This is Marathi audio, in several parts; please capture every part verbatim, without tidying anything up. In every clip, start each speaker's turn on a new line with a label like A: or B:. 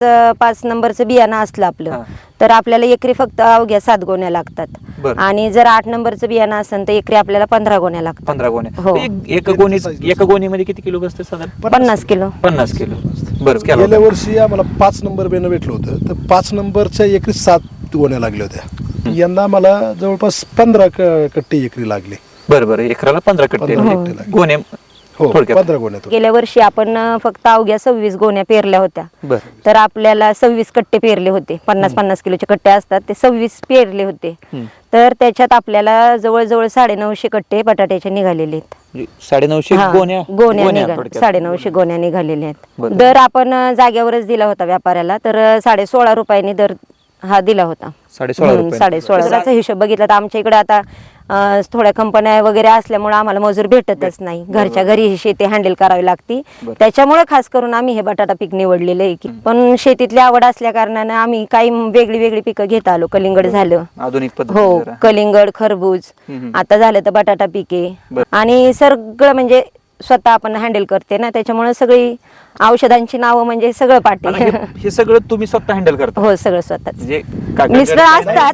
A: अ, पाच नंबरचं बियाणं असलं आपलं तर आपल्याला एकरी फक्त अवघ्या सात गोण्या लागतात आणि जर आठ नंबरचं बियाणं असेल तर एकरी आपल्याला पंधरा गोण्या लागतात.
B: पंधरा गोण्या
A: हो.
B: एक- एका गोणी एका गोणीमध्ये किती किलो बसते साधारण?
A: पन्नास किलो.
B: पन्नास किलो. बरं केलं
C: गेल्या
B: होतं.
C: वर्षी आम्हाला पाच नंबर बेनं भेटलं होतं तर पाच नंबरच्या एकरी सात गोण्या लागल्या होत्या. यंदा मला जवळपास पंधरा कट्टे एकरी लागले.
B: बरं बरं एकराला पंधरा कट्टे
C: पंधरा
B: लागले.
C: कट्टे लागले.
B: गोणे
C: हो
B: थोडक्यात.
C: पंधरा गोण्या
A: गेल्या वर्षी आपण अ, फक्त अवघ्या सव्वीस गोण्या पेरल्या होत्या
B: बरं
A: तर आपल्याला सव्वीस कट्टे पेरले होते. पन्नास पन्नास किलोचे कट्टे असतात ते सव्वीस पेरले होते
B: हम्म.
A: तर त्याच्यात आपल्याला जवळजवळ साडेनऊशे कट्टे बटाट्याचे निघालेले आहेत.
B: म्हणजे साडेनऊशे
A: हा,
B: गोण्या
A: गोण्या निघा
B: थोडक्यात.
A: साडेनऊशे गोण्या निघालेल्या आहेत.
B: बरं.
A: दर आपण अ, जाग्यावरच दिला होता व्यापाऱ्याला तर अ, साडे सोळा रुपयांनी दर हा दिला होता.
B: साडे सोळा
A: हम्म,
B: रुपये.
A: साडे सोळाचा हिशोब बघितला तर आमच्या इकडे आता अ, थोड्या कंपन्या वगैरे असल्यामुळे आम्हाला मजूर भेटतच नाही. घरच्या घरी ही शेती हँडल करावी लागती. त्याच्यामुळे खास करून आम्ही हे बटाटा पीक निवडलेलं आहे की पण शेतीतली आवड असल्या कारणाने आम्ही काही वेगळी वेगळी पिकं घेत आलो. कलिंगड झालं,
B: आधुनिक पद्धती
A: हो
B: जरा.
A: कलिंगड, खरबूज,
B: हम्म.
A: आता झालं तर बटाटा पिके आणि सगळं म्हणजे स्वतः आपण हँडल करते ना त्याच्यामुळे सगळी औषधांची नावं म्हणजे सगळं
B: आता
A: पाठी.
B: हे- हे सगळं तुम्ही स्वतः हँडल करता
A: हो सगळं स्वतःच.
B: म्हणजे काका-
A: मिस्टर असतात.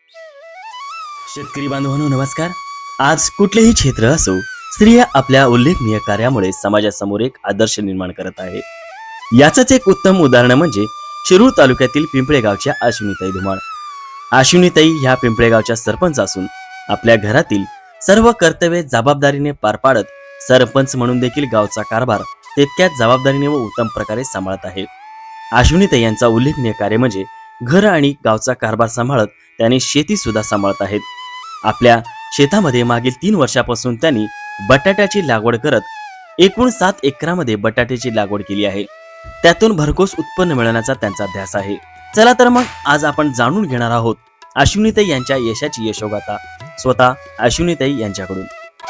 D: शेतकरी बांधवांनो नमस्कार. आज कुठलेही क्षेत्र असो, स्त्रिया आपल्या उल्लेखनीय कार्यामुळे समाजासमोर एक आदर्श निर्माण करत आहे. याचंच एक उत्तम उदाहरण म्हणजे शिरूर तालुक्यातील पिंपळे गावच्या अश्विनीताई धुमाळ. अश्विनीताई ह्या पिंपळे गावच्या सरपंच असून आपल्या घरातील सर्व कर्तव्ये जबाबदारीने पार पाडत सरपंच म्हणून देखील गावचा कारभार तितक्याच जबाबदारीने व उत्तम प्रकारे सांभाळत आहे. अश्विनीताई यांचा उल्लेखनीय कार्य म्हणजे घर आणि गावचा कारभार सांभाळत त्यांनी शेती सुद्धा सांभाळत आहेत. आपल्या शेतामध्ये मागील तीन वर्षापासून त्यांनी बटाट्याची लागवड करत एकूण सात एकरामध्ये बटाट्याची लागवड केली आहे. त्यातून भरघोस उत्पन्न मिळवण्याचा त्यांचा ध्यास आहे. चला तर मग आज आपण जाणून घेणार आहोत अश्विनीताई यांच्या यशाची यशोगाथा स्वतः अश्विनीताई यांच्याकडून.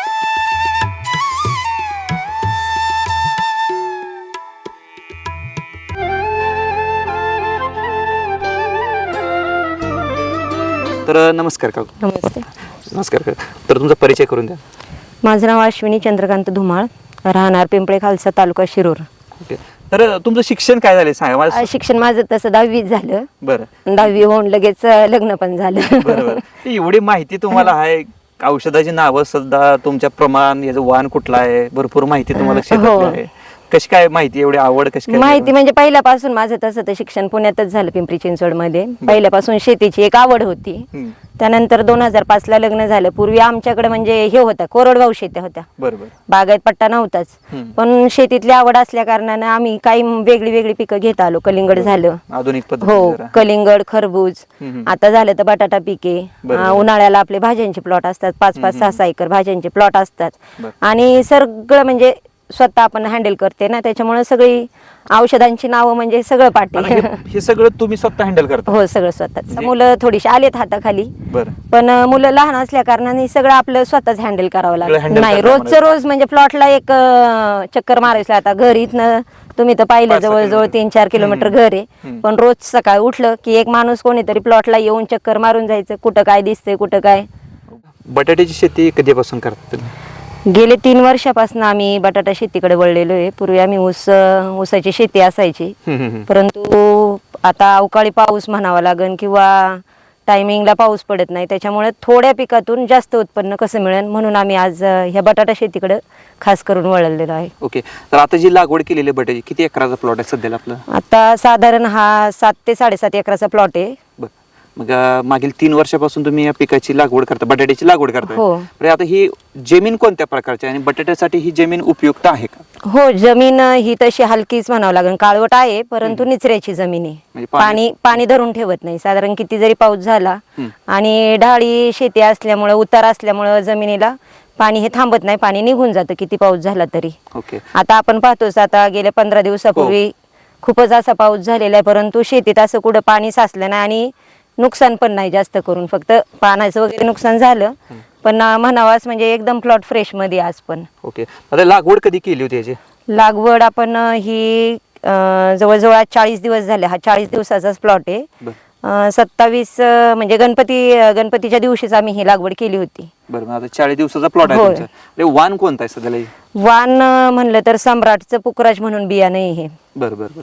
B: तर नमस्कार काकू.
A: नमस्ते.
B: नमस्कार काका. तर तुमचा परिचय करून द्या.
A: माझं नाव अश्विनी चंद्रकांत धुमाळ, राहणार पिंपळे खालसा, तालुका शिरूर.
B: ओके. तर तुमचं शिक्षण काय झालं सांगा मला.
A: अ, शिक्षण माझं तसं दहावीत झालं.
B: बरं
A: दहावी होऊन लगेच अ, लग्न पण झालं.
B: बरोबर. एवढी माहिती तुम्हाला आहे, औषधाची नावं सुद्धा, तुमच्या प्रमाण, याचं वाण कुठलं आहे, भरपूर माहिती तुम्हाला क्षेत्रातली
A: हो.
B: आहे. कशी काय माहिती, एवढी आवड कशी काय?
A: माहिती म्हणजे पहिल्यापासून माझं तसं तर शिक्षण पुण्यातच झालं, पिंपरी चिंचवड मध्ये. पहिल्यापासून शेतीची एक आवड होती.
B: हम्म.
A: त्यानंतर दोन हजार पाच ला लग्न झालं. पूर्वी आमच्याकडे म्हणजे हे होतं, कोरडवाहू शेत्या होत्या,
B: बरोबर.
A: बागायत पट्टा नव्हताच.
B: हम्म.
A: पण शेतीतली आवड असल्या कारणाने आम्ही काही वेगळी वेगळी पिकं घेत आलो. कलिंगड झालं,
B: आधुनिक पद्धती
A: हो
B: जरा.
A: कलिंगड, खरबूज,
B: हम्म.
A: आता झालं तर बटाटा पिके.
B: बरोबर.
A: अं, उन्हाळ्याला आपले भाज्यांचे प्लॉट असतात, पाच पाच सहा सहा एकर भाज्यांचे प्लॉट असतात.
B: बरं.
A: आणि सगळं म्हणजे स्वतः आपण हँडल करते ना त्याच्यामुळे सगळी औषधांची नावं म्हणजे सगळं पाठी.
B: आता हे- हे सगळं तुम्ही स्वतः हँडल करता?
A: हो सगळं स्वतःच.
B: म्हणजे-
A: मुलं थोडीशी आलेत हाताखाली,
B: बरं.
A: पण अं, मुलं लहान असल्या कारणाने सगळं आपलं स्वतःच हँडल करावं
B: सगळं
A: लागतं.
B: handle
A: नाही
B: करणं
A: रोजचं रोज म्हणजे प्लॉटला एक अं, चक्कर मारायचं. आता घरी इथनं तुम्ही तर पाहिलं
B: पाच सहा
A: जवळजवळ
B: किलोमीटर.
A: तीन चार किलोमीटर घर आहे.
B: हम्म.
A: पण रोज सकाळी उठलं की एक माणूस कोणीतरी प्लॉटला येऊन चक्कर मारून जायचं, कुठं काय दिसतंय कुठं काय.
B: बटाट्याची शेती कधीपासून करता तुम्ही?
A: गेले तीन वर्षापासून आम्ही बटाटा शेतीकडे वळलेलो आहे. पूर्वी आम्ही ऊस ऊसाची शेती असायची,
B: हम्म, हम्म, हम्म.
A: परंतु आता अवकाळी पाऊस म्हणावा लागेल किंवा टायमिंगला पाऊस पडत नाही, त्याच्यामुळे थोड्या पिकातून जास्त उत्पन्न कसं मिळेल म्हणून आम्ही आज अ, ह्या बटाटा शेतीकडे खास करून वळलेलो आहे.
B: ओके. तर आता जी लागवड केलेली आहे बटाट्याची, किती एकराचा प्लॉट आहे सध्याला आपलं?
A: आता साधारण हा सात ते साडेसात एकराचा प्लॉट आहे.
B: बरं. मग अं, मागील तीन वर्षापासून तुम्ही या पिकाची लागवड करता, बटाट्याची लागवड करता.
A: हो.
B: बरं, आता ही जमीन कोणत्या प्रकारची आहे आणि बटाट्यासाठी ही जमीन उपयुक्त आहे का?
A: हो, जमीन अ, ही तशी हलकीच म्हणावं लागेल, काळवट आहे परंतु निचऱ्याची जमीन आहे.
B: म्हणजे पाणी-
A: पाणी पाणी धरून ठेवत नाही. साधारण किती जरी पाऊस झाला
B: हम्म.
A: आणि ढाळी शेती असल्यामुळे, उतार असल्यामुळे जमिनीला पाणी हे थांबत नाही, पाणी निघून जातं किती पाऊस झाला तरी.
B: ओके.
A: आता आपण पाहतोच, आता गेल्या पंधरा दिवसापूर्वी खूपच असा पाऊस झालेला आहे, परंतु शेतीत असं कुठं पाणी साचलं नाही आणि नुकसान पण नाही जास्त करून, फक्त पाण्याचं वगैरे नुकसान झालं. पण अं, म्हणावाच म्हणजे एकदम प्लॉट फ्रेश मध्ये आज पण.
B: ओके. आता लागवड कधी केली होती याची?
A: लागवड आपण अं, ही अं, जवळजवळ आज चाळीस दिवस झाले. हा चाळीस दिवसाचाच प्लॉट आहे.
B: बरं.
A: अं, सत्तावीस अं, म्हणजे गणपती अं, गणपतीच्या दिवशीच आम्ही ही लागवड केली होती.
B: बरं. मग आता चाळीस दिवसाचा प्लॉट आहे
A: होय.
B: तुमचा. म्हणजे वाण कोणता आहे सध्याला?
A: वाण अं, म्हणलं तर सम्राटचं पुखराज म्हणून बियाणं आहे हे.
B: बरं बरं बरं.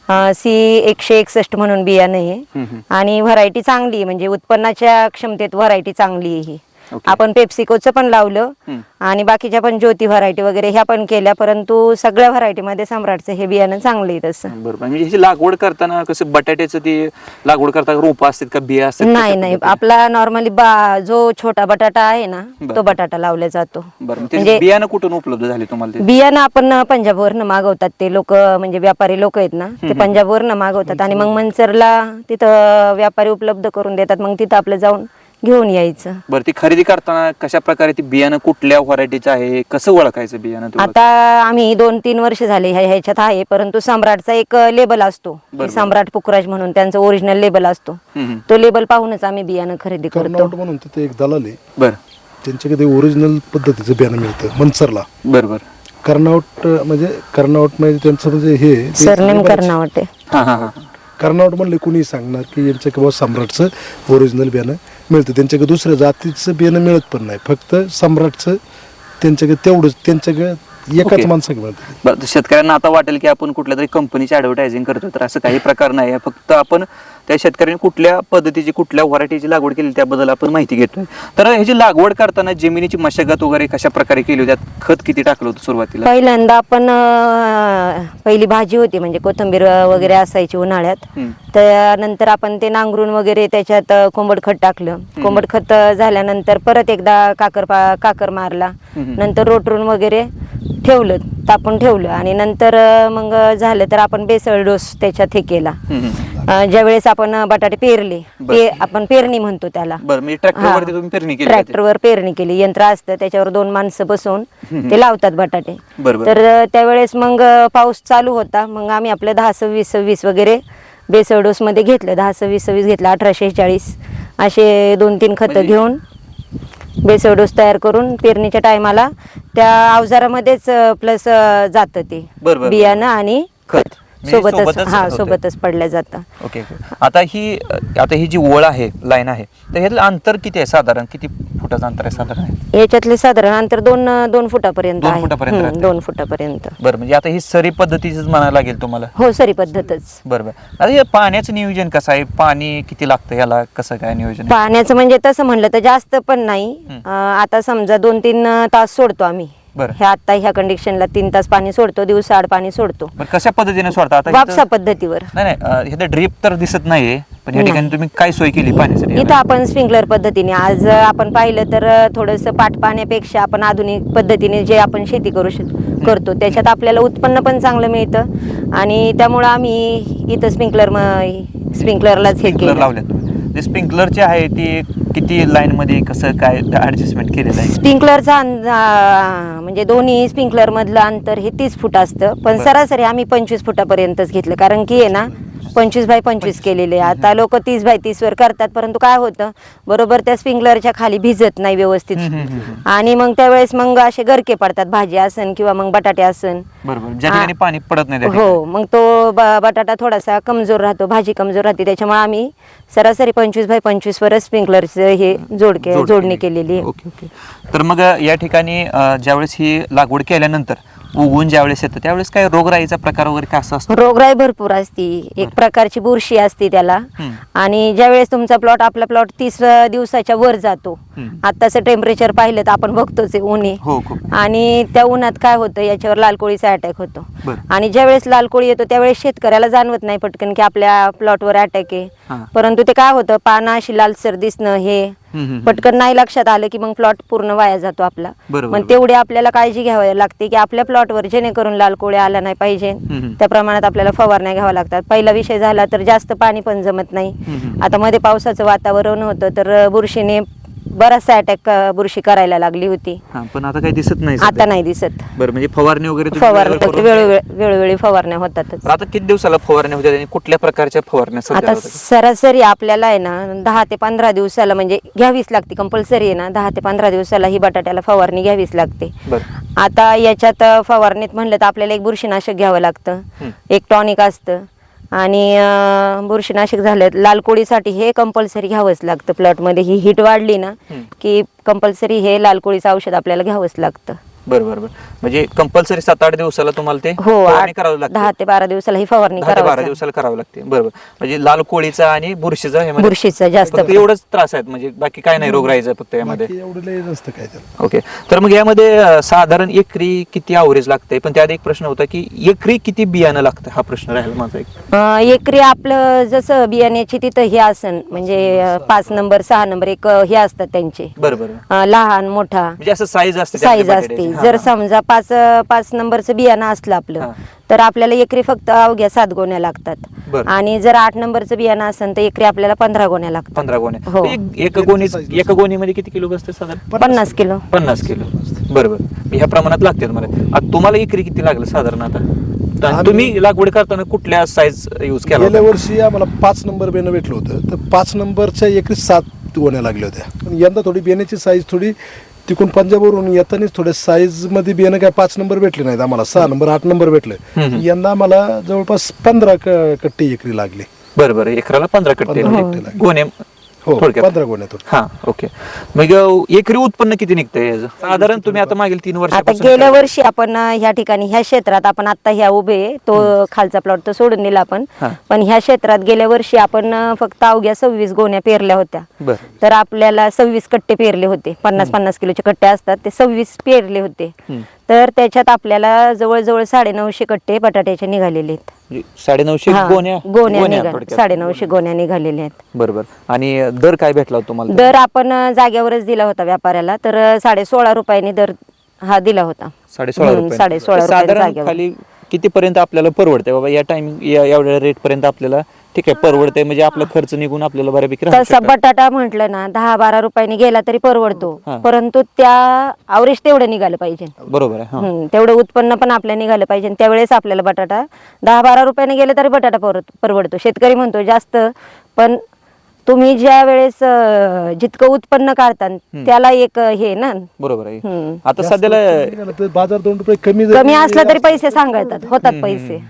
A: सी एकशे एकसष्ट म्हणून बियाणं आहे
B: हम्म, हम्म.
A: आणि व्हरायटी चांगली आहे, म्हणजे उत्पन्नाच्या क्षमतेत व्हरायटी चांगली आहे ही.
B: ओके.
A: आपण पेप्सिकोचं पण लावलं
B: हम्म.
A: आणि बाकीच्या पण ज्योती व्हरायटी वगैरे ह्या पण केल्या, परंतु सगळ्या व्हरायटी मध्ये सम्राटचं हे बियाणं चांगलं आहे तसं.
B: बरोबर. म्हणजे ह्याची लागवड करताना कसं बटाट्याचं ती लागवड करताना रोप असतात का बिया असतात
A: नाही
B: कशा
A: नाही,
B: पद्धतीने?
A: आपला नॉर्मली बा जो छोटा बटाटा आहे ना
B: बरं.
A: तो बटाटा लावला जातो.
B: बरं, मग त्याचे
A: म्हणजे
B: बियाणं कुठून उपलब्ध झाले तुम्हाला ते?
A: बियाणं आपण पंजाबवरनं मागवतात, ते लोक म्हणजे व्यापारी लोक आहेत ना ते पंजाबवरनं मागवतात आणि मग मंचरला तिथं व्यापारी उपलब्ध करून देतात, मग तिथं आपलं जाऊन घेऊन यायचं.
B: बरं, ती खरेदी करताना कशा प्रकारे ती बियाणं कुठल्या व्हरायटीचं आहे कसं ओळखायचं बियाणं तुम्हाला?
A: आता आम्ही दोन तीन वर्ष झाले ह्या- ह्याच्यात आहे, परंतु सम्राटचा एक लेबल असतो की
B: बरोबर.
A: सम्राट पुखराज म्हणून त्यांचं ओरिजिनल लेबल असतो.
B: हम्म, हम्म.
A: तो लेबल पाहूनच आम्ही बियाणं खरेदी करतो.
C: कर्नावट म्हणून तिथे एक दलाल आहे,
B: बरं
C: त्यांच्याकडे ओरिजिनल पद्धतीचं बियाणं मिळतं मनसरला.
B: बरं बरं.
C: कर्नावट म्हणजे कर्नावट म्हणजे त्यांचं म्हणजे हे ते
A: सरनेम
C: बरेच-
A: कर्नावट आहे.
B: हा हा हा.
C: कर्नावट म्हणले कुणी सांगणार की यांच्या किंवा सम्राटचं ओरिजिनल बियाणं मिळतं, त्यांच्याकडे दुसऱ्या जातीचं बियाणं मिळत पण नाही, फक्त सम्राटचं त्यांच्याकडे तेवढंच त्यांच्याकडे एकाच
B: ओके.
C: माणसाकडे मिळतं.
B: बरं, तर शेतकऱ्यांना आता वाटेल की आपण कुठल्या तरी कंपनीची ऍडव्हर्टायझिंग करतो, तर असं काही प्रकार नाही आहे. फक्त आपण त्या शेतकऱ्यांनी कुठल्या पद्धतीची कुठल्या व्हरायटीची लागवड केली त्याबद्दल आपण माहिती घेतोय. तर ह्याची लागवड करताना जमिनीची मशागत वगैरे कशा प्रकारे केली होती, त्यात खत किती टाकलं होतं सुरुवातीला?
A: पहिल्यांदा आपण अं, पहिली भाजी होती म्हणजे कोथिंबीर वगैरे असायची उन्हाळ्यात,
B: हम्म.
A: त्यानंतर आपण ते नांगरून वगैरे त्याच्यात अं, कोंबड खत टाकलं. कोंबड खत झाल्यानंतर परत एकदा काकर पा- काकर मारला,
B: हम्म.
A: नंतर रोटरून वगैरे ठेवलं, तापून ठेवलं आणि नंतर अं, मग झालं तर आपण बेसळ डोस त्याच्यात हे केला.
B: हम्म, हम्म.
A: अं, ज्यावेळेस आपण बटाटे पेरले,
B: बरं.
A: ते आपण पेरणी म्हणतो त्याला.
B: बरं, म्हणजे ट्रॅक्टरवरती तुम्ही पेरणी केली होती?
A: ट्रॅक्टरवर पेरणी केली, यंत्र असतं त्याच्यावर दोन माणसं बसून ते लावतात बटाटे.
B: बरोबर.
A: तर अं, त्यावेळेस मग अं, पाऊस चालू होता, मग आम्ही आपलं दहा सव्वीस सव्वीस वगैरे बेसळ डोस मध्ये घेतलं, दहा सव्वीस सव्वीस घेतलं, अठराशे चाळीस असे दोन तीन खतं
B: म्हणजे-
A: घेऊन बेसळ डोस तयार करून पेरणीच्या टायमाला त्या अवजारामध्येच प्लस जातं ते
B: बरोबर.
A: बियाणं आणि
B: खत म्हणजे
A: सोबतच
B: सोबतच
A: हा
B: होतं.
A: सोबतच पडल्या जातं.
B: Okay okay. आता ही आता ही जी ओळ आहे, लाईन आहे, तर ह्यातलं अंतर किती आहे साधारण? किती फुटाचं अंतर आहे साधारण आहे?
A: याच्यातले साधारण अंतर दोन दोन फुटापर्यंत
B: दोन
A: आहे.
B: फुटापर्यंत
A: हम्म,
B: राहते.
A: दोन फुटापर्यंत.
B: बरं, म्हणजे आता ही सरी पद्धतीचीच म्हणायला लागेल तुम्हाला?
A: हो, सरी पद्धतच.
B: बरोबर. आता हे पाण्याचं नियोजन कसं आहे? पाणी किती लागतं ह्याला? कसं काय नियोजन आहे?
A: पाण्याचं म्हणजे तसं म्हणलं तर जास्त पण नाही.
B: हम्म.
A: अं, आता समजा दोन तीन तास सोडतो आम्ही.
B: बरं.
A: ह्या आता ह्या कंडिशनला तीन तास पाणी सोडतो, दिवसा आड पाणी सोडतो
B: बरं, कशा पद्धतीने सोडता आता?
A: वापसा
B: इथं-
A: पद्धतीवर.
B: नाही नाही, अं, इथं ड्रीप तर दिसत नाहीये, पण या ठिकाणी
A: नाही.
B: तुम्ही काय सोय केली पाण्यासाठी?
A: इथं आपण स्प्रिंकलर पद्धतीने आज अं, आपण पाहिलं तर थोडस पाट पाण्यापेक्षा आपण आधुनिक पद्धतीने जे आपण शेती करू शक करतो त्याच्यात आपल्याला उत्पन्न पण चांगलं मिळतं आणि त्यामुळं आम्ही इथं स्प्रिंकलर स्प्रिंकलरलाच हे
B: स्प्रिंकलर
A: केलं.
B: लावल्यात तुम्ही. जे स्प्रिंकलरचे आहे ते किती लाईन मध्ये कसं काय ऍडजस्टमेंट केलेलं आहे?
A: स्प्रिंकलरचा अंदा- म्हणजे दोन्ही स्प्रिंकलर मधलं अंतर हे तीस फूट असतं, पण
B: बरं.
A: सरासरी आम्ही पंचवीस फुटापर्यंतच घेतलं, कारण की आहे ना पंचवीस बाय पंचवीस केलेले. आता लोक तीस बाय तीस वर करतात, परंतु काय होतं बरोबर त्या स्प्रिंकलरच्या खाली भिजत नाही व्यवस्थित
B: हम्म, हम्म, हम्म.
A: आणि मग त्यावेळेस मग असे गरके पडतात, भाजी असन किंवा मग बटाटे असन.
B: बरोबर, ज्या ठिकाणी पाणी पडत नाही त्या
A: हो, मग तो ब- बटाटा थोडासा कमजोर राहतो, भाजी कमजोर राहते, त्याच्यामुळे आम्ही सरासरी पंचवीस बाय पंचवीस वरच स्प्रिंकलरचं हे जोड के-
B: जोड
A: जोडणी
B: केली.
A: केलेली आहे.
B: Okay okay. तर मग अ, या ठिकाणी अ, ज्यावेळेस ही लागवड केल्यानंतर उगवून ज्यावेळेस येतं त्यावेळेस काय रोगराईचा प्रकार वगैरे काय असं असतो?
A: रोगराई भरपूर असती, एक प्रकारची बुरशी असते त्याला.
B: हम्म.
A: आणि ज्यावेळेस तुमचा प्लॉट आपला प्लॉट तीस दिवसाच्या वर जातो,
B: हम्म.
A: आताचं टेम्परेचर पाहिलं तर आपण बघतोच आहे, ऊन आहे.
B: हो खूप.
A: आणि त्या उन्हात काय होतं याच्यावर लाल कोळीचा अटॅक होतो.
B: बरं.
A: आणि ज्यावेळेस लाल कोळी येतो त्यावेळेस शेतकऱ्याला जाणवत नाही पटकन की आपल्या प्लॉटवर अटॅक आहे,
B: हां.
A: परंतु ते काय होतं पानं अशी लालसर दिसणं हे
B: हम्म, हम्म, हम्म.
A: पटकन नाही लक्षात आलं की मग प्लॉट पूर्ण वाया जातो आपला.
B: बरोबर,
A: मग तेवढी आपल्याला काळजी घ्यावी लागते की आपल्या प्लॉटवर जेणेकरून लाल कोळी आला नाही पाहिजे,
B: हम्म.
A: त्या प्रमाणात आपल्याला फवारण्या घ्याव्या लागतात. पहिला विषय झाला तर जास्त पाणी पण जमत नाही.
B: हम्म.
A: आता मध्ये पावसाचं वातावरण होतं तर बुरशीने बराचसा अटॅक बुरशी करायला लागली होती,
B: हां, पण आता काही दिसत नाही
A: आता
B: सध्या.
A: नाही दिसत.
B: बरं, म्हणजे फवारणी वगैरे तुम्ही
A: फवारणी
B: वेळेवर करून-
A: वेळोवेळी वेळोवेळी फवारण्या होतातच.
B: तर आता किती दिवसाला फवारण्या होत्या आणि कुठल्या प्रकारच्या फवारण्या सध्या
A: आता
B: होतात?
A: सरासरी आपल्याला आहे ना दहा ते पंधरा दिवसाला म्हणजे घ्यावीच लागते, कंपल्सरी आहे ना, दहा ते पंधरा दिवसाला ही बटाट्याला फवारणी घ्यावीच लागते.
B: बरं.
A: आता याच्यात फवारणीत म्हणलं तर आपल्याला एक बुरशीनाशक घ्यावं लागतं,
B: हं.
A: एक टॉनिक असतं आणि अं, बुरशीनाशक झालं लाल कोळीसाठी हे कंपल्सरी घ्यावंच लागतं. प्लॉटमध्ये ही हीट वाढली ना
B: हं.
A: की कंपल्सरी हे लाल कोळीचं औषध आपल्याला घ्यावंच लागतं.
B: बरं बरं बरं म्हणजे कंपल्सरी सात आठ दिवसाला तुम्हाला ते
A: हो
B: फवारणी
A: आठ-
B: करावं लागतं.
A: दहा ते बारा दिवसाला ही फवारणी
B: दहा ते बारा
A: करावी
B: दिवसाला करावं लागते बरोबर. म्हणजे लाल कोळीचा आणि बुरशीचा ह्यामध्ये
A: बुरशीचा जास्त
B: फक्त एवढंच त्रास आहेत, म्हणजे बाकी काय नाही रोग राहायचा फक्त यामध्ये.
C: बाकी एवढं लय नसतं काय त्याला.
B: ओके. तर मग यामध्ये अं, साधारण एकरी किती अवरेज लागते, पण त्यात एक प्रश्न होता की एकरी किती बियाणं लागतं, हा प्रश्न राहिला माझा एक.
A: अं, एकरी आपलं जसं बियाण्याची तिथं हे असन म्हणजे अं, पाच नंबर सहा नंबर एक अं, हे असतात त्यांचे
B: बरं बरं
A: अं, लहान मोठा
B: म्हणजे असं साईज असते
A: साईज
B: त्यामध्ये
A: असते.
B: बटाट्याची.
A: जर
B: हा, हा.
A: समजा पाच पाच नंबरचं बियाणं असलं आपलं
B: हा.
A: तर आपल्याला एकरी फक्त अवघ्या सात गोण्या लागतात.
B: बरं.
A: आणि जर आठ नंबरचं बियाणं असेल तर एकरी आपल्याला पंधरा गोण्या लागतात.
B: पंधरा गोण्या.
A: हो.
B: एक- एक गोणी एका गोणीमध्ये किती किलो बसते साधारण?
A: पन्नास किलो.
B: पन्नास किलो बरोबर. ह्या प्रमाणात लागते मला. आता तुम्हाला एकरी किती लागलं साधारण आता? तर
C: आम्ही-
B: तुम्ही लागवड करताना कुठल्या साईज यूज केला
C: गेल्या
B: होता?
C: वर्षी आम्हाला पाच नंबर बेणं भेटलं होतं, तर पाच नंबरच्या एकरी सात गोण्या लागल्या होत्या. पण यंदा थोडी बेण्याची साईज थोडी तिकून पंजाबवरून येतानाच थोड्या साईज मध्ये बियाणं काय पाच नंबर भेटले नाहीत आम्हाला, सहा नंबर आठ नंबर भेटले.
B: हम्म.
C: यंदा आम्हाला जवळपास पंधरा क- कट्टे एकरी लागले.
B: बरं बरं. एकराला पंधरा कट्टे
C: पंधरा
B: लागले.
C: कट्टे लागले.
B: गोण्या
C: हो
B: थोडक्यात.
C: पंधरा गोण्यातून.
B: हा ओके. मग अं, एकरी उत्पन्न किती निघतंय याचं? साधारण तुम्ही आता मागील तीन
A: आता
B: वर्षापासून
A: गेल्या
B: करताय.
A: वर्षी आपण अं, ह्या ठिकाणी ह्या क्षेत्रात आपण आता ह्या उभे आहे, तो खालचा प्लॉट तो सोडून दिला आपण.
B: हा.
A: पण ह्या क्षेत्रात गेल्या वर्षी आपण अं, फक्त अवघ्या सव्वीस गोण्या पेरल्या होत्या.
B: बरं.
A: तर आपल्याला सव्वीस कट्टे पेरले होते. पन्नास पन्नास किलोचे कट्टे असतात ते सव्वीस पेरले होते.
B: हम्म.
A: तर त्याच्यात आपल्याला जवळजवळ साडेनऊशे कट्टे बटाट्याचे निघालेले आहेत.
B: म्हणजे साडेनऊशे
A: हा,
B: गोण्या
A: गोण्या निघा
B: थोडक्यात.
A: साडेनऊशे गोण्या निघालेल्या आहेत.
B: बरोबर. आणि दर काय भेटला होता तुम्हाला?
A: दर आपण अं, जागेवरच दिला होता व्यापाऱ्याला, तर अं, साडे सोळा रुपयांनी दर हा दिला होता.
B: साडे सोळा
A: हम्म,
B: रुपये.
A: साडे सोळा रुपये
B: साधारण
A: जागेवर.
B: खाली किती पर्यंत आपल्याला परवडते बाबा या टाइमिंग या एवढ्या रेट पर्यंत आपल्याला ठीक आहे परवडते, म्हणजे आपला खर्च निघून आपल्याला बऱ्यापैकी राहू
A: तसा
B: शकतं.
A: बटाटा म्हटलं ना दहा बारा रुपयांनी गेला तरी परवडतो,
B: हा.
A: परंतु त्या आवरेज तेवढं निघालं पाहिजे.
B: बरोबर आहे. हा.
A: हम्म, तेवढं उत्पन्न पण आपल्या निघालं पाहिजे. त्यावेळेस आपल्याला बटाटा दहा बारा रुपयाने गेले तरी बटाटा परवड- परवडतो. शेतकरी म्हणतो जास्त, पण तुम्ही ज्या वेळेस अं, जितकं उत्पन्न काढता त्याला एक अं, हे ना
B: बरोबर आहे.
A: हम्म.
B: आता
C: जास्त
B: सध्याला
C: निघालं तर बाजार दोन रुपये कमी जरी
A: कमी असला तरी पैसे सांगतात, होतात पैसे.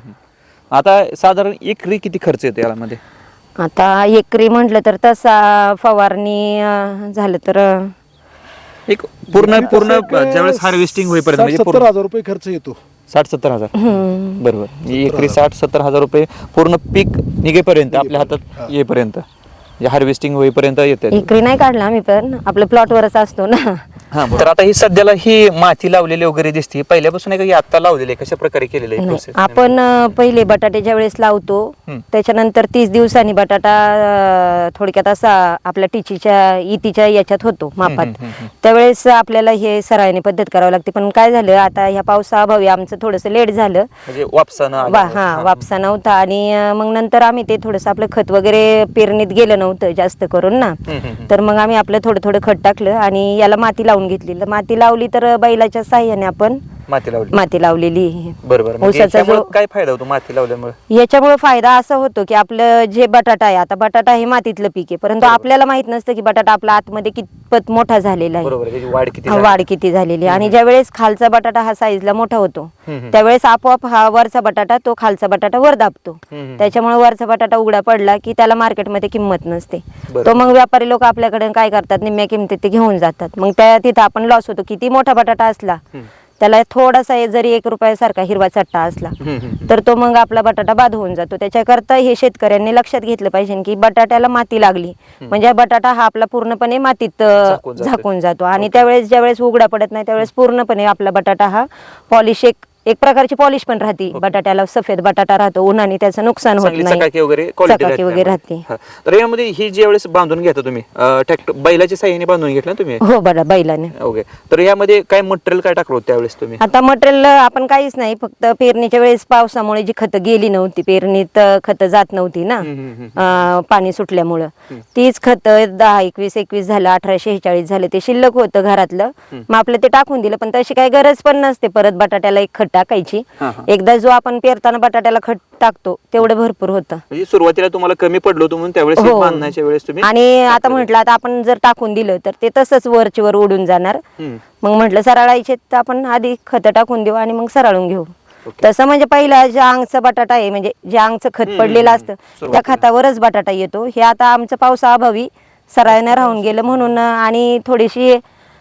B: आता साधारण एकरी किती खर्च येतो यामध्ये?
A: आता एकरी म्हटलं तर तसा फवारणी अं, झालं तर अं,
B: एक पूर्ण पूर्ण
C: तसं एक
B: ज्यावेळेस हार्वेस्टिंग होईपर्यंत
C: साठ
B: म्हणजे
C: सत्तर
B: पूर्ण
C: हजार रुपये खर्च येतो.
B: साठ सत्तर हजार
A: हम्म.
B: बरोबर. एकरी साठ सत्तर हजार रुपये पूर्ण पीक निघेपर्यंत आपल्या हातात येईपर्यंत, म्हणजे हार्वेस्टिंग होईपर्यंत येते.
A: एकरी नाही काढला आम्ही, पण आपलं प्लॉटवरच असतो ना.
B: हा. तर आता ही सध्याला ही माती लावलेली वगैरे दिसते, पहिल्यापासून आहे का ही आता लावलेली आहे? कशा प्रकारे केलेलं आहे
A: नाही,
B: प्रोसेस?
A: आपण अं, पहिले बटाटे ज्या वेळेस लावतो
B: हम्म.
A: त्याच्यानंतर तीस दिवसांनी बटाटा अं, थोडक्यात असा आपल्या टिचीच्या इतीच्या याच्यात होतो मापात.
B: हम्म, हम्म, हम्म.
A: त्यावेळेस आपल्याला हे सरायने पद्धत करावी लागते. पण काय झालं आता ह्या पावसाअभावी आमचं थोडंसं लेट झालं.
B: म्हणजे वापसानं आलं.
A: वा हा वापसा नव्हता, आणि अं, मग नंतर आम्ही ते थोडंसं आपलं खत वगैरे पेरणीत गेलं नव्हतं जास्त करून ना.
B: हम्म, हम्म, हम्म.
A: तर मग आम्ही आपलं थोडं थोडं खत टाकलं आणि याला माती लावून घेतली. तर माती लावली तर बैलाच्या साह्याने आपण
B: माती लावली.
A: माती लावलेली आहे.
B: बरोबर. म्हणजे
A: ऊसाचा
B: याच्यामुळे
A: जो-
B: काय फायदा होतो माती लावल्यामुळे?
A: याच्यामुळे फायदा असा होतो की आपलं जे बटाटा आहे, आता बटाटा हे मातीतलं पीक आहे, परंतु आपल्याला माहित नसतं की बटाटा आपला आतमध्ये कितपत मोठा झालेला आहे,
B: बरोबर आहे. त्याची वाढ किती
A: हा,
B: झाली?
A: वाढ किती झालेली आहे. आणि ज्या वेळेस खालचा बटाटा हा साईजला मोठा होतो
B: हम्म.
A: त्यावेळेस आपोआप हा वरचा बटाटा तो खालचा बटाटा वर दाबतो.
B: हम्म.
A: त्याच्यामुळे वरचा बटाटा उघडा पडला की त्याला मार्केटमध्ये किंमत नसते.
B: बरोबर.
A: तो मग व्यापारी लोक आपल्याकडे काय करतात, निम्म्या किमतीत ते घेऊन जातात. मग त्या तिथं आपण लॉस होतो. किती मोठा बटाटा असला
B: हम्म.
A: त्याला थोडासा जरी एक रुपयासारखा हिरवा चट्टा असला
B: हम्म, हम्म, हम्म.
A: तर तो मग आपला बटाटा बाद होऊन जातो. त्याच्याकरता हे शेतकऱ्यांनी लक्षात घेतलं पाहिजे की बटाट्याला माती लागली म्हणजे बटाटा हा आपला पूर्णपणे मातीत अ,
B: झाकून जातो.
A: झाकून जातो. आणि त्यावेळेस ज्यावेळेस उघडा पडत नाही त्यावेळेस पूर्णपणे आपला बटाटा हा पॉलिश एक एक प्रकारची पॉलिश पण राहते बटाट्याला. सफेद बटाटा राहतो, उन्हाने त्याचं नुकसान होत
B: चांगली
A: नाही,
B: चकाकी वगैरे quality
A: चकाकी वगैरे राहते.
B: हा. तर यामध्ये ही ज्या वेळेस बांधून घेता तुम्ही ट्रॅक्टर बैलाच्या साह्याने बांधून घेतला ना तुम्ही?
A: हो बरं बैलाने.
B: ओके. तर यामध्ये काय मटेरियल काय टाकलं होतं त्यावेळेस तुम्ही?
A: आता मटेरियल आपण काहीच नाही, फक्त पेरणीच्या वेळेस पावसामुळे जी खतं गेली नव्हती, पेरणीत खतं जात नव्हती ना
B: हम्म, हम्म, हम्म.
A: अं, पाणी सुटल्यामुळं, तीच खतं दहा एकवीस एकवीस झालं, अठरा शेहेचाळीस झालं, ते शिल्लक होतं घरातलं. मग आपलं ते टाकून दिलं. पण तशी काही गरज पण नसते परत बटाट्याला एक खत टाकायची.
B: हा, हा.
A: एकदा जो आपण पेरताना बटाट्याला खत टाकतो तेवढं भरपूर होतं.
B: म्हणजे सुरुवातीला तुम्हाला कमी पडलो होतं म्हणून त्यावेळेस हे
A: हो.
B: बांधण्याच्या वेळेस तुम्ही
A: आणि आता म्हटलं आता आपण जर टाकून दिलं तर ते तसंच वरची वर उडून जाणार.
B: हम्म.
A: मग म्हटलं सरळायचे तर आपण आधी खतं टाकून देऊ आणि मग सरळून घेऊ.
B: ओके.
A: तसं म्हणजे पहिला ज्या अंगचं बटाटा आहे, म्हणजे जे अंगचं खत
B: हम्म,
A: पडलेलं
B: हम्म,
A: असतं त्या
B: सुरुवातीला.
A: खतावरच बटाटा येतो. हे आता आमचं पावसाअभावी सरायनं राहून गेलं म्हणून आणि थोडीशी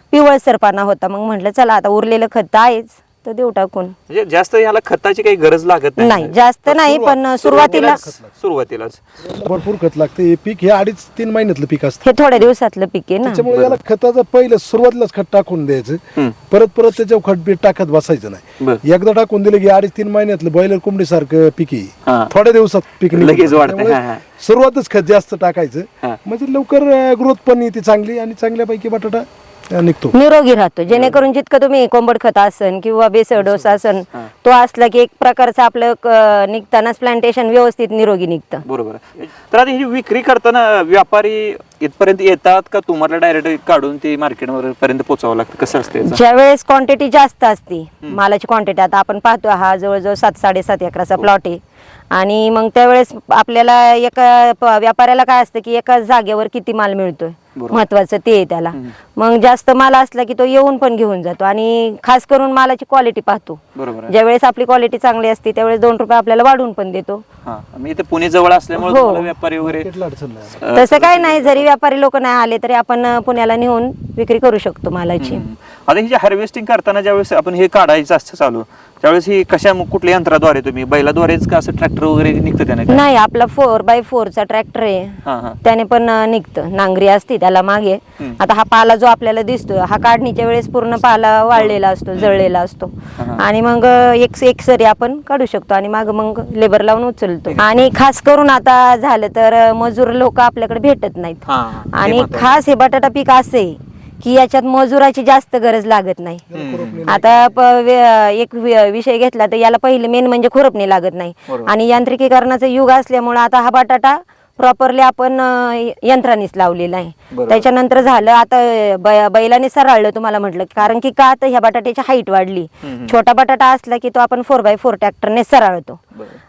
A: पिवळसरपणा होता. मग म्हटलं चला आता उरलेलं खत आहेच तर देऊ टाकून.
B: म्हणजे जास्त ह्याला खताची काही गरज लागत
A: नाही जास्त नाही, पण सुरुवातीला
B: सुरुवातीलाच
C: भरपूर खत लागतं. हे पीक हे अडीच तीन महिन्यातलं पीक असतं,
A: हे थोड्या दिवसातलं पीक आहे ना.
C: त्याच्यामुळे याला खताचं पहिलं सुरुवातीलाच खत टाकून द्यायचं, परत परत त्याच्यावर खत बीट टाकत बसायचं नाही. एकदा टाकून दिलं की अडीच तीन महिन्यातलं बॉयलर कोंबडी सारखं पीक आहे, थोड्या दिवसात पीक
B: लगेच वाढतं.
C: त्यामुळे सुरुवातच खत जास्त टाकायचं, म्हणजे लवकर ग्रोथ पण येते चांगली आणि चांगल्यापैकी बटाटा निघतो,
A: निरोगी राहतो. जेणेकरून जितकं तुम्ही कोंबड खत असन किंवा बेसळ डोस असन तो असला की एक प्रकारचं आपलं क- निघतानाच प्लांटेशन व्यवस्थित निरोगी निघतं.
B: बरोबर आहे. तर आता ही विक्री करताना व्यापारी इथपर्यंत येतात का तुम्हाला डायरेक्ट काढून ते मार्केट पर्यंत पोहोचावं लागतं, कसं असते याचं?
A: ज्या वेळेस क्वांटिटी जास्त असते मालाची क्वांटिटी, आता आपण पाहतो हा जवळजवळ सात साडेसात एकराचा प्लॉट आहे आणि मग त्यावेळेस आपल्याला एका प- व्यापाऱ्याला काय असतं की एका जागेवर किती माल मिळतोय महत्वाचं ते आहे त्याला. मग जास्त माल असला की तो येऊन पण घेऊन जातो आणि खास करून मालाची क्वालिटी पाहतो.
B: बरोबर आहे.
A: ज्यावेळेस आपली क्वालिटी चांगली असते त्यावेळेस दोन रुपये आपल्याला वाढून पण देतो.
B: हा मी इथे पुणे जवळ असल्यामुळे
A: हो.
B: तुम्हाला व्यापारी वगैरे
C: मार्केटला अडचण नाही.
A: तसं काय नाही, जरी व्यापारी लोक नाही आले तरी आपण अं, पुण्याला नेऊन विक्री करू शकतो मालाची.
B: हम्म. आता ही हार्वेस्टिंग करताना ज्यावेळेस आपण हे काढायचं असतं चालू त्यावेळेस ही कशा कुठल्या यंत्राद्वारे तुम्ही बैलाद्वारेच का असं ट्रॅक्टर वगैरे निघतं त्याने काय?
A: नाही, आपला फोर बाय फोरचा ट्रॅक्टर आहे,
B: हा हा
A: त्याने पण अं, निघतं. नांगरी असते त्याला मागे. आता हा पाला जो आपल्याला दिसतो हा काढणीच्या वेळेस पूर्ण पाला वाळलेला असतो, जळलेला असतो आणि मग अं, एक एक सरी आपण काढू शकतो आणि माग मग लेबर लावून उचलतो. आणि खास करून आता झालं तर अं, मजूर लोक आपल्याकडे भेटत नाहीत.
B: हा, हा. हे
A: आणि
B: महत्त्वाचं.
A: खास हे बटाटा पीक असे की याच्यात मजुराची जास्त गरज लागत नाही. आता प- वे- एक वि- विषय घेतला तर याला पहिले मेन म्हणजे खुरपणी लागत नाही
B: बरोबर.
A: आणि यांत्रिकीकरणाचं युग असल्यामुळे आता हा बटाटा प्रॉपरली आपण अं, यंत्रानेच लावलेला आहे.
B: बरोबर.
A: त्याच्यानंतर झालं आता बै- बैलाने सरळलं तुम्हाला म्हटलं, कारण की का तर ह्या बटाट्याची हाईट वाढली. छोटा बटाटा असला की तो आपण फोर बाय फोर ट्रॅक्टरने सरळतो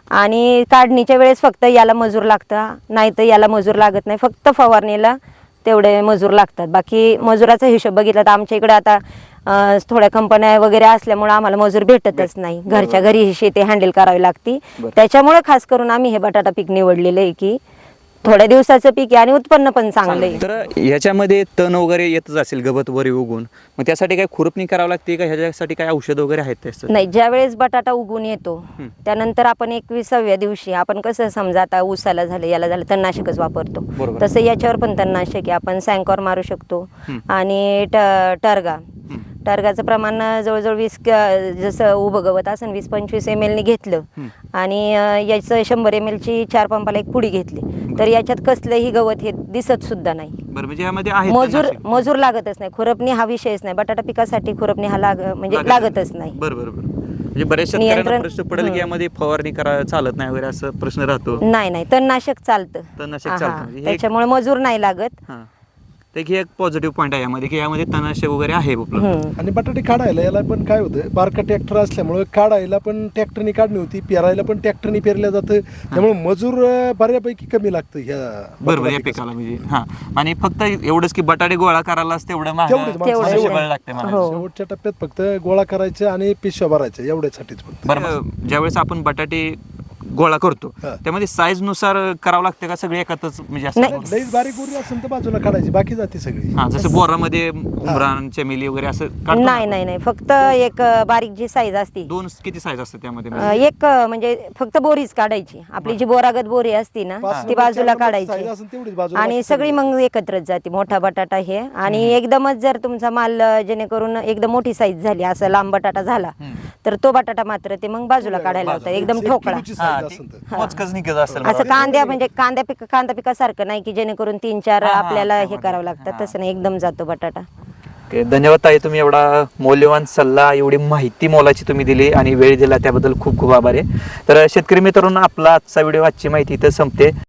A: आणि काढणीच्या वेळेस फक्त याला मजूर लागतं, नाही तर याला मजूर लागत नाही. फक्त फवारणीला तेवढे मजूर लागतात. बाकी मजुराचा हिशोब बघितला तर आमच्या इकडे आता अं, थोड्या कंपन्या वगैरे असल्यामुळे आम्हाला मजूर भेटतच नाही. घरच्या घरी ही शेती हँडल करावी लागती. त्याच्यामुळे खास करून आम्ही हे बटाटा पीक निवडलेलं आहे की थोड्या दिवसाचं पीक आहे आणि उत्पन्न पण चांगलं आहे.
B: तर ह्याच्यामध्ये तण वगैरे येतच असेल गवत वगैरे उगून, मग त्यासाठी काय खुरपणी करावं लागते का ह्याच्यासाठी काय औषध वगैरे आहेत त्याचं?
A: नाही, ज्या वेळेस बटाटा उगून येतो त्यानंतर आपण एकविसाव्या दिवशी आपण कसं समजा आता ऊसाला झालं याला झालं तणनाशकच वापरतो,
B: बरोबर.
A: तसं याच्यावर पण तणनाशक आहे. आपण सॅन्कॉर मारू शकतो आणि ट- टर्गा टर्गाचं प्रमाण जवळजवळ वीस क- जसं उभं गवत असेल वीस पंचवीस एम एल ने घेतलं आणि अं, याचं शंभर एम एल ची चार पंपाला एक पुडी घेतली तर याच्यात कसलंही गवत हे दिसत सुद्धा नाही.
B: बरं, म्हणजे यामध्ये आहे
A: मजूर
B: तणनाशक.
A: मजूर लागतच नाही. खुरपणी हा विषयच नाही. बटाटा पिकासाठी खुरपणी हा लाग म्हणजे लागतच नाही.
B: बरं बरं बरं. म्हणजे बऱ्याच शेतकऱ्यांना
A: नियंत्रण-
B: प्रश्न पडेल की यामध्ये फवारणी करा चालत नाही वगैरे असं प्रश्न राहतो.
A: नाही नाही, तणनाशक चालतं.
B: तणनाशक
A: हा,
B: चालतं.
A: हा.
B: म्हणजे हे-
A: त्याच्यामुळे मजूर नाही लागत.
B: हा. तर हे एक पॉझिटिव्ह पॉईंट आहे यामध्ये की यामध्ये तणनाशक वगैरे आहे उपलब्ध.
A: हम्म.
C: आणि बटाटे काढायला याला पण काय होतं, बारका ट्रॅक्टर असल्यामुळे काढायला पण ट्रॅक्टरनी काढणी होती, पेरायला पण ट्रॅक्टरनी पेरल्या जातं, त्यामुळे मजूर अं, बऱ्यापैकी कमी लागतं ह्या
B: बरोबर
C: बटाटा
B: या
C: पिकासाठी.
B: पिकाला म्हणजे हा. आणि फक्त एवढंच की बटाटे गोळा करायलाच तेवढं महाग
C: तेवढंच माणसं-
B: मनुष्यबळ
A: तेवढंच.
B: लागते मला.
A: हो.
C: शेवटच्या टप्प्यात फक्त गोळा करायचं आणि पिशव्या भरायच्या एवढ्यासाठीच फक्त.
B: बरं, ज्यावेळेस आपण बटाटे गोळा करतो
C: हा.
B: त्यामध्ये साईज नुसार करावं लागतं का सगळे एकातच म्हणजे असं?
A: नाही.
C: लईच बारीक उरी असेल तर बाजूला काढायची, बाकी जाते सगळी.
B: हा, जसं बोरामध्ये उमरान चमेली वगैरे असं काढतो ना
A: नाही
B: आपण.
A: नाही नाही, फक्त एक अं, बारीक जी साईज असती
B: दोन किती साईज असतात त्यामध्ये
A: अं, एक अं, म्हणजे फक्त बोरीच काढायची. आपली जी बोरागत बोरी असती ना
C: पाच
A: ती
C: नंबर,
A: बाजूला
C: चार नंबर size
A: काढायची
C: असेल तेवढीच बाजूला,
A: आणि
C: बाकी
A: सगळी मग एकत्रच जाते. मोठा बटाटा हे आणि एकदमच जर तुमचा माल अं, जेणेकरून एकदम मोठी साईज झाली असं लांब बटाटा झाला तर तो बटाटा मात्र ते मग बाजूला काढायला होता एकदम
C: एक
A: ठोकळा.
C: किलोची
B: हा,
C: size
B: ती
C: असेल तर.
B: मोजकच निघत असेल
A: असं
B: मला.
A: कांद्या म्हणजे कांद्या पिक कांदा पिकासारखं नाही की जेणेकरून तीन चार
B: हा, हा,
A: आपल्याला हे
B: त्यामध्ये.
A: करावं लागतं, तसं नाही, एकदम जातो बटाटा.
B: ओके, धन्यवाद ताई, तुम्ही एवढा मौल्यवान सल्ला एवढी माहिती मोलाची तुम्ही दिली आणि वेळ दिला त्याबद्दल खूप खूप आभार आहे. तर शेतकरी मित्रांनो, आपला आजचा व्हिडिओ आजची माहिती इथं संपते.